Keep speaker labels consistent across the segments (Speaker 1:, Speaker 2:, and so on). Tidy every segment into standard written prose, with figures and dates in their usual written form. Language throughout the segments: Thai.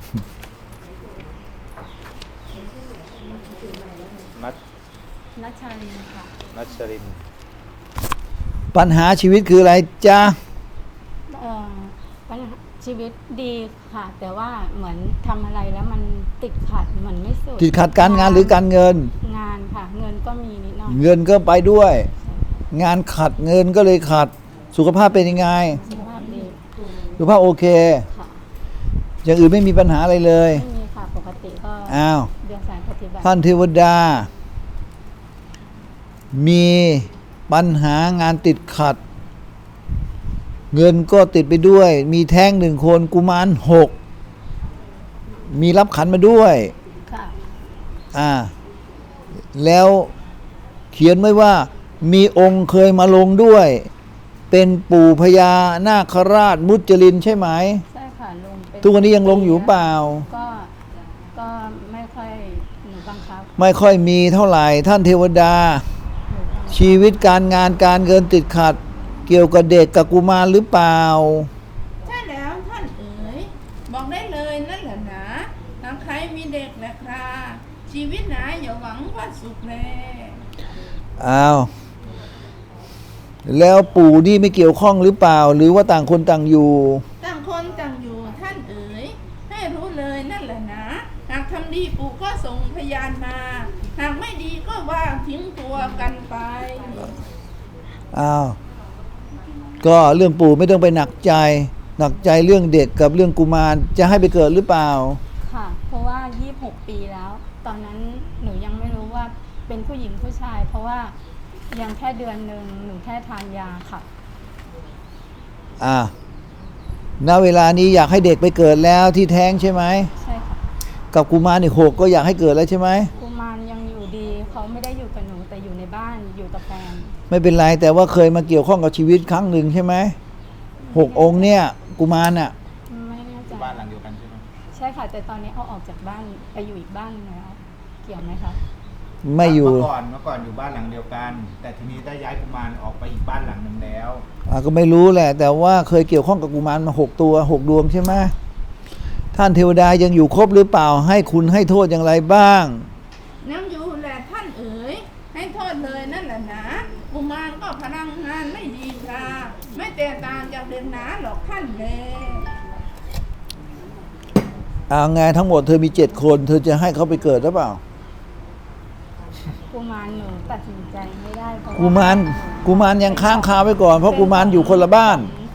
Speaker 1: นัชชาลินค่ะ
Speaker 2: นัชริน
Speaker 3: ปัญหาชีวิตคืออะไรจ๊ะ
Speaker 1: ปัญหาชีวิตดีค่ะ แต่ว่าเหมือนทำอะไรแล้วมันติดขัดเหมือนไม่สุด
Speaker 3: ติดขัดการงานหรือการเงิน
Speaker 1: งานค่ะเงินก็มีนิดหน่อย
Speaker 3: เงินก็ไปด้วย งานขัดเงินก็เลยขัดสุขภาพเป็นยังไง
Speaker 1: สุขภาพดี
Speaker 3: สุขภาพโอเค
Speaker 1: ค่ะ
Speaker 3: อย่างอื่นไม่มีปัญหาอะไรเลย
Speaker 1: ไม่มีค่ะปกติก็เดือนสายปฏิบัติ
Speaker 3: ท่านเทวดามีปัญหางานติดขัดเงินก็ติดไปด้วยมีแท้ง1 คนกุมาร6มีรับขันมาด้วย
Speaker 1: ค่ะ
Speaker 3: แล้วเขียนไว้ว่ามีองค์เคยมาลงด้วยเป็นปู่พญานาคราชมุจลินใช่ไหม
Speaker 1: ใช่ค่ะลง
Speaker 3: ทุกวันนี้ยังลงอยู่เปล่า
Speaker 1: ก็ไม่ค่อยหนูบังคับ
Speaker 3: ไม่ค่อยมีเท่าไหร่ท่านเทวดาชีวิตการงานการเงินติดขัดเกี่ยวกับเด็กกับกุมารหรือเปล่า
Speaker 4: ใช่แล้วท่านเอ๋ยบอกได้เลยนั่นแหละนะหากใครมีเด็กแหละครับชีวิตหนาอย่าหวังว่าสุขแล
Speaker 3: อ้าวแล้วปู่นี่ไม่เกี่ยวข้องหรือเปล่าหรือว่าต่างคนต่างอยู่
Speaker 4: ต่างคนต่างอยู่ท่านเอ๋ยให้รู้เลยนั่นแหละนะหากทำดีปู่ก็ส่งพยานมาหากไม่ดีก็ว่างทิ้งตัวกันไป
Speaker 3: อ้าวก็เรื่องปู่ไม่ต้องไปหนักใจเรื่องเด็กกับเรื่องกุมารจะให้ไปเกิดหรือเปล่า
Speaker 1: ค่ะเพราะว่า26 ปีแล้วตอนนั้นหนูยังไม่รู้ว่าเป็นผู้หญิงผู้ชายเพราะว่ายังแค่เดือนนึงหนูแค่ทานยาค่ะ
Speaker 3: ณเวลานี้อยากให้เด็กไปเกิดแล้วที่แท้งใช่ไหม
Speaker 1: ใช่ค่ะ
Speaker 3: กับกุมารอีก6ก็อยากให้เกิดแล้วใช่ไหม
Speaker 1: กุมารยังอยู่ดีเขาไม่ได้อยู่กับหนูแต่อยู่ในบ้านอยู่กับแฟน
Speaker 3: ไม่เป็นไรแต่ว่าเคยมาเกี่ยวข้องกับชีวิตครั้งหนึ่งใช่ไหม6 องค์เนี่ยกุมาร
Speaker 1: ไม่แน่ใจ
Speaker 2: บ้านหลังเดียวกันใช่ไหม
Speaker 1: ใช่ค่ะแต่ตอนนี้เอาออกจากบ้านไปอยู่อีกบ้านแล้วเกี่ยวไหมคะ
Speaker 3: ไม่อยู่
Speaker 2: เมื่อก่อนอยู่บ้านหลังเดียวกันแต่ทีนี้ได้ย้ายกุมารออกไปอีกบ้านหลังหนึ่งแล้ว
Speaker 3: ก็ไม่รู้แหละแต่ว่าเคยเกี่ยวข้องกับกุมารมา6 ตัว6 ดวงใช่ไหมท่านเทวดายังอยู่ครบหรือเปล่าให้คุณให้โทษอย่างไรบ้าง
Speaker 4: น้ำอยู่แหละท่านเอ๋ยให้โทษเลยนั่นแหละนะกุมารก็พลังงานไม่ดีค่ะไม่แตกต่างจากเด็กหนาหรอกท่านเลย
Speaker 3: ไงทั้งหมดเธอมี7 คนเธอจะให้เขาไปเกิดหรือเปล่า
Speaker 1: กุมารหนูตัดสินใจไม่ได้เพราะ
Speaker 3: กุมารยังค้างคาไว้ก่อนเพราะกุมารอยู่คนละบ้าน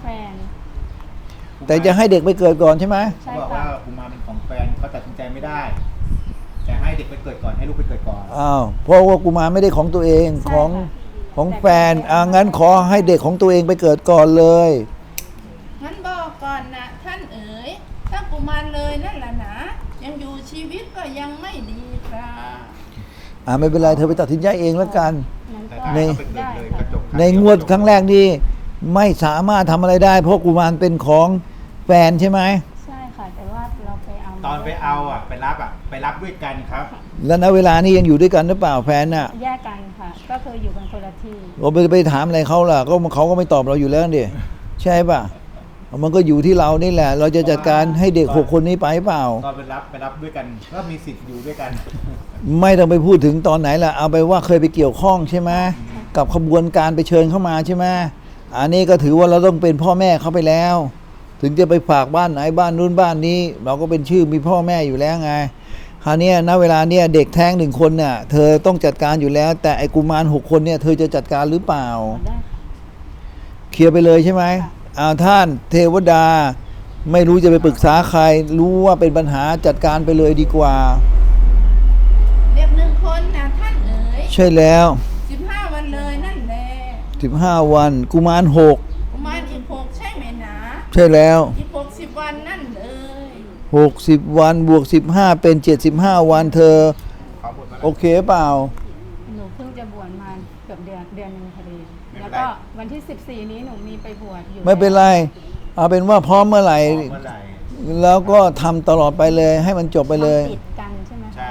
Speaker 3: แต่จะให้เด็กไปเกิดก่อนใช่ไหม
Speaker 2: เขาบอกว่ากุมารเป็นของแฟนเขาตัดสินใจไม่ได้แต่ให้เด็กไปเกิดก่อนให้ลูกไปเกิดก่อน
Speaker 3: เพราะว่ากุมารไม่ได้ของตัวเองของแฟนงั้นขอให้เด็กของตัวเองไปเกิดก่อนเลย
Speaker 4: งั้นบอกก่อนนะท่านเอ๋ยถ้ากุมารเลยนั่นแหละนะยังอยู่ชีวิตก็ยังไม่ดีครับ
Speaker 3: ไม่เป็นไรเธอไปตัดสินใจเองแล้วกันในงวดครั้งแรกนี่ไม่สามารถทำอะไรได้เพราะกุมารเป็นของแฟนใช่ไหม
Speaker 1: ใช่ค่ะแต่ว่าเราไปเอา
Speaker 2: ตอนไปเอาไปรับด้วยกันครับ
Speaker 3: แล้วณเวลานี้ยังอยู่ด้วยกันหรือเปล่าแฟน
Speaker 1: แยกกันค่ะก็คืออยู่กันคนละที่
Speaker 3: เราไปถามอะไรเขาล่ะก็เขาก็ไม่ตอบเราอยู่แล้วดิใช่ป่ะมันก็อยู่ที่เรานี่แหละเราจะจัดการให้เด็ก6 คนนี้ไปเปล่า
Speaker 2: ตอนไปรับด้วยกันก็มีสิทธิ์อยู่ด้วยกัน
Speaker 3: ไม่ต้องไปพูดถึงตอนไหนล่ะเอาไปว่าเคยไปเกี่ยวข้องใช่ไหมกับขบวนการไปเชิญเข้ามาใช่ไหมอันนี้ก็ถือว่าเราต้องเป็นพ่อแม่เขาไปแล้วถึงจะไปฝากบ้านไหนบ้านนู้นบ้านนี้เราก็เป็นชื่อมีพ่อแม่อยู่แล้วไงคราวนี้ณเวลาเนี้ยเด็กแท้ง1 คนเนี่ยเธอต้องจัดการอยู่แล้วแต่ไอ้กุมาร6 คนเนี่ยเธอจะจัดการหรือเปล่าเคลียร์ไปเลยใช่ไหมท่านเทวดาไม่รู้จะไปปรึกษาใครรู้ว่าเป็นปัญหาจัดการไปเลยดีกว่า
Speaker 4: เด็ก1 คนนะท่านเอ๋ย
Speaker 3: ใช่แล้ว
Speaker 4: 15 วันเลยนั่นแหละ
Speaker 3: 15 วันกุมาร6
Speaker 4: กุมารอีก6ใช่ไหมนะ
Speaker 3: ใช่แล้ว
Speaker 4: อีก60 วันนั่นเลย
Speaker 3: 60 วันบวก15เป็น75 วันเธอโอเคเปล่า
Speaker 1: หนูเพิ่งจะบวชมาเกือบเดือนนึงพอดีแล้วก็วันที่14นี้หนูมีไปบวชอยู่
Speaker 3: ไม่เป็นไรเอาเป็นว่าพร้อมเมื่อไหร่แล้วก็ทำตลอดไปเลยให้มันจบไปเลย
Speaker 1: ติดกันใช่ไหม
Speaker 2: ใช่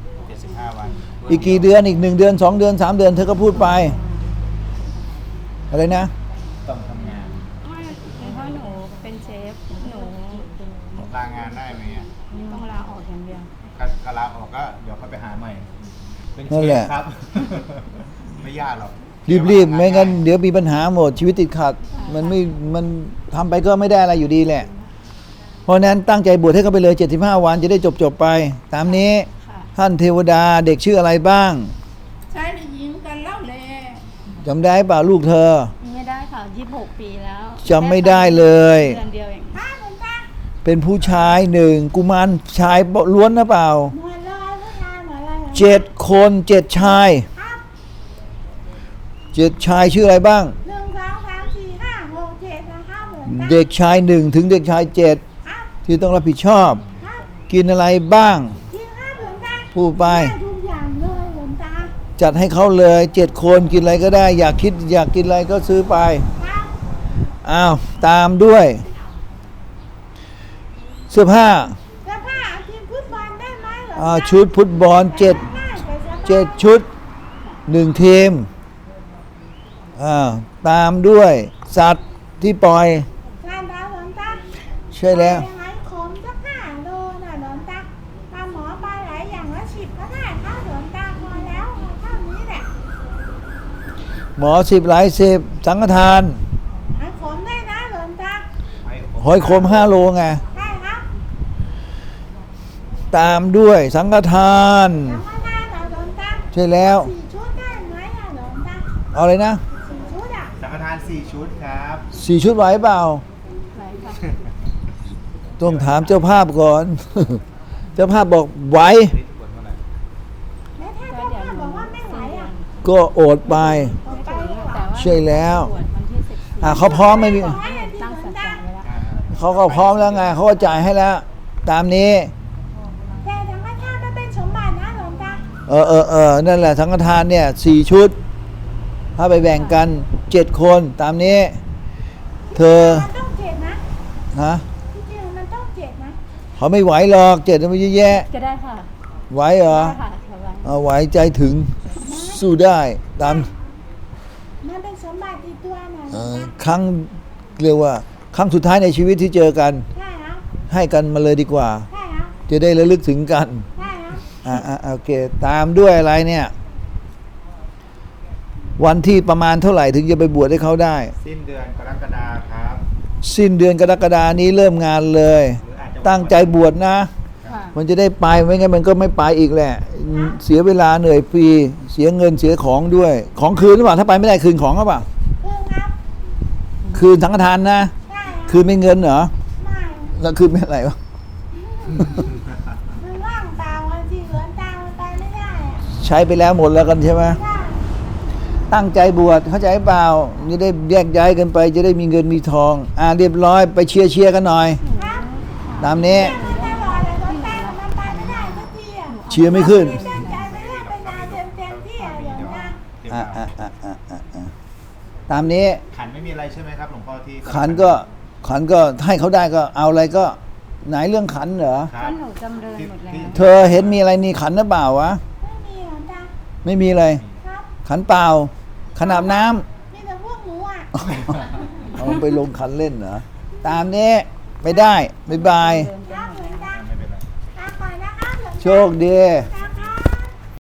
Speaker 2: 75 วัน
Speaker 3: อีกกี่เดือนอีก1 เดือน2 เดือน3 เดือนเธอก็พูดไปอะไรนะ
Speaker 2: ต้องทำงาน
Speaker 1: เพราะหนูนูเป็นเชฟหนู
Speaker 2: ลางานได้ไหมอ่ะ
Speaker 1: ต้องลาออกอย่างเดียว
Speaker 2: ก็ลาออกก็เดี๋ยวเขาไปหาใหม่ เป็นเช
Speaker 3: นั่นแห
Speaker 2: ฟ
Speaker 3: ละ
Speaker 2: ครับ ไม่ยากหรอก
Speaker 3: รีบๆไม่งั้นเดี๋ยวมีปัญหาหมดชีวิตติดขัด มันทำไปก็ไม่ได้อะไรอยู่ดีแหละ เพราะนั้นตั้งใจบวชให้เขาไปเลย75 วันจะได้จบไปตามนี้
Speaker 1: ค่ะ
Speaker 3: ท่านเทวดาเด็กชื่ออะไรบ้าง
Speaker 4: ชายหรือหญิงกันเล่าแล
Speaker 3: จำได้เปล่าลูกเธอ
Speaker 1: ไม่ได้ค่ะ26 ปีแล้ว
Speaker 3: จำไม่ได้เลย
Speaker 1: เดือนเดียวเอง
Speaker 4: พระหลวงตา
Speaker 3: เป็นผู้ชายหนึ่งกุมารชายล้วนนะเปล่า
Speaker 4: หมดเลยผู้ชายหมดเลย
Speaker 3: 7 คน7 ชาย
Speaker 4: ครับ
Speaker 3: 7 ชายชื่ออะไรบ้าง
Speaker 4: 1 2 3 4 5 6 7นะครับหลวงตา
Speaker 3: เด็กชาย1ถึงเด็กชาย7
Speaker 4: ครับ
Speaker 3: ที่ต้องรับผิดชอบ
Speaker 4: ครับ
Speaker 3: กินอะไรบ้าง
Speaker 4: จริงครับหลวงตา
Speaker 3: พูดไป
Speaker 4: ได้ทุกอย่างเลยหลวงตา
Speaker 3: จัดให้เขาเลย7 คนกินอะไรก็ได้ อยากกินอะไรก็ซื้อไป
Speaker 4: ครับ
Speaker 3: อ้าวตามด้วย เสื้อผ้า
Speaker 4: เสื้อผ้าเอาทีมฟุตบอลได้ไหมหลวงตา
Speaker 3: ชุดฟุตบอล7
Speaker 4: ได้แต่เสื้อผ้า
Speaker 3: 7 ชุด1 ทีมตามด้วยสัตว์ที่ปล่อย
Speaker 4: การดาวหลวงตา
Speaker 3: ใช่แล้ว
Speaker 4: ยังไงขมสัก5 โลน่ะหลวงตาปลาหมอปลาไหลอย่างละ10ก็ได้ครับหลวงตาพอแล้วเท่านี้แหละ
Speaker 3: หมอ10 หลาย 10 สังฆทาน
Speaker 4: ให้ขมได้นะหลวงตา
Speaker 3: หอยโคม5 โลไง
Speaker 4: ได้ครับ
Speaker 3: ตามด้วยสังฆทาน
Speaker 4: สังฆทานเหรอหลวงตา
Speaker 3: ใช่แล้ว
Speaker 4: 4 ชุดได้ไหมอะหลวงตา
Speaker 3: เอาเลยนะ
Speaker 4: 4 ชุดอะ
Speaker 2: สังฆทาน4 ชุดครับ
Speaker 3: 4 ชุดไหวเปล่า
Speaker 1: ไหนค่ะ
Speaker 3: ต้องถามเจ้าภาพก่อน เจ้าภาพบอกไหว
Speaker 2: นี่บวชเมื่อไหร่
Speaker 4: แล้วถ้าเจ้าภาพบอกว่าไม่ไหวอะ
Speaker 3: ก็โอดไป
Speaker 1: ไม่ถึงแต่ว่า
Speaker 3: ใช่แล้ว
Speaker 1: บวชวันที่14
Speaker 3: เขาพร้อมไม่มี
Speaker 1: ตั้งสัจจะไว้แล้ว
Speaker 3: เขาก็พร้อมแล้วไงเขาก็จ่ายให้แล้ว ตามนี้
Speaker 4: แต่สังฆทานมันเป็นสมบัตินะหลวงตา
Speaker 3: นั่นแหละสังฆทานเนี่ย4 ชุด ถ้าไปแบ่งกัน 7 คนตามนี้ เธอ
Speaker 4: มันต้องเจ็ดนะ
Speaker 3: นะ
Speaker 4: ที่จริงมันต้องเจ็ดนะ
Speaker 3: เขาไม่ไหวหรอก7มันเยอะแยะ
Speaker 1: ก็ได้ค่ะ
Speaker 3: ไหวเหรอ
Speaker 1: ได้ค่ะสบาย
Speaker 3: เอาไหวใจถึงสู้ได้ตาม
Speaker 4: มันเป็นสมบัติติดตัวนะหลวงตา
Speaker 3: ครั้งเรียกว่า ครั้งสุดท้ายในชีวิตที่เจอกัน
Speaker 4: ใช่ครับ
Speaker 3: ให้กันมาเลยดีกว่า
Speaker 4: ใช่ครับ
Speaker 3: จะได้ระลึกถึงกัน
Speaker 4: ใช่ครับ
Speaker 3: โอเค ตามด้วยอะไรเนี่ย วันที่ประมาณเท่าไหร่ถึงจะไปบวชให้เขาได้
Speaker 2: สิ้นเดือนกรกฎาคมครับ
Speaker 3: สิ้นเดือนกรกฎานี้เริ่มงานเลย
Speaker 2: หรืออาจจะ
Speaker 3: ตั้งใจบวชนะ
Speaker 1: ค่ะ
Speaker 3: มันจะได้ไปไม่งั้นมันก็ไม่ไปอีกแหละ เสียเวลาเหนื่อยฟรีเสียเงินเสียของด้วย ของคืนหรือเปล่าถ้าไปไม่ได้คืนของหรือเปล่า
Speaker 4: คือครับ
Speaker 3: คืนสังฆทานนะ
Speaker 4: ใช่ครับ
Speaker 3: คืนไม่เงินเหรอ
Speaker 4: ไม่
Speaker 3: แล้วคืนไม่อะไรวะ
Speaker 4: มันว่างเปล่าอะสิหลวงตามันไปไม่ได้อะ
Speaker 3: ใช้ไปแล้วหมดแล้วกันใช่ไหม
Speaker 4: ได้
Speaker 3: ตั้งใจบวชเข้าใจเปล่าจะได้แยกย้ายกันไป จะได้มีเงินมีทองเรียบร้อยไปเชียร์กันหน่อย
Speaker 4: ครับ
Speaker 3: ตามนี้
Speaker 4: มันตลอดเลยหลวงตามันไปไม่ได้สักทีอะ
Speaker 3: เชียร์ไม่ขึ้น
Speaker 4: ตั้งใจไปเรื่อยไปนานเต็มที่อะหลวงตา
Speaker 2: เดี๋ยว
Speaker 3: ตามนี้
Speaker 2: ขันไม่มีอะไรใช่ไหมครับหลวงพ่อที่
Speaker 3: ขันก็ให้เขาได้ก็เอาอะไรก็ไหนเรื่องขันเหรอ
Speaker 2: ค
Speaker 1: ก็
Speaker 2: รับ
Speaker 1: หนูจำเริญหมดแล้ว
Speaker 3: เธอเห็นมีอะไรนี่ขันหรือเปล่าวะ
Speaker 4: ไม่มีหลวงตา
Speaker 3: ไม่มีอะไร
Speaker 4: ครับ
Speaker 3: ขันเปล่าขันอาบน้ำ
Speaker 4: มีแต่พวกหนูอะ
Speaker 3: เอาไปลงขันเล่นเหรอตามนี้ไปได้บ๊ายบาย
Speaker 1: เดินไป
Speaker 4: ครับ
Speaker 1: หม
Speaker 4: หล
Speaker 1: ด
Speaker 4: วง
Speaker 1: แล้ว
Speaker 4: ตา
Speaker 2: ไม่เป็นไร
Speaker 4: ลาก่อนนะครับหลวงตา
Speaker 3: โชคดี
Speaker 4: ค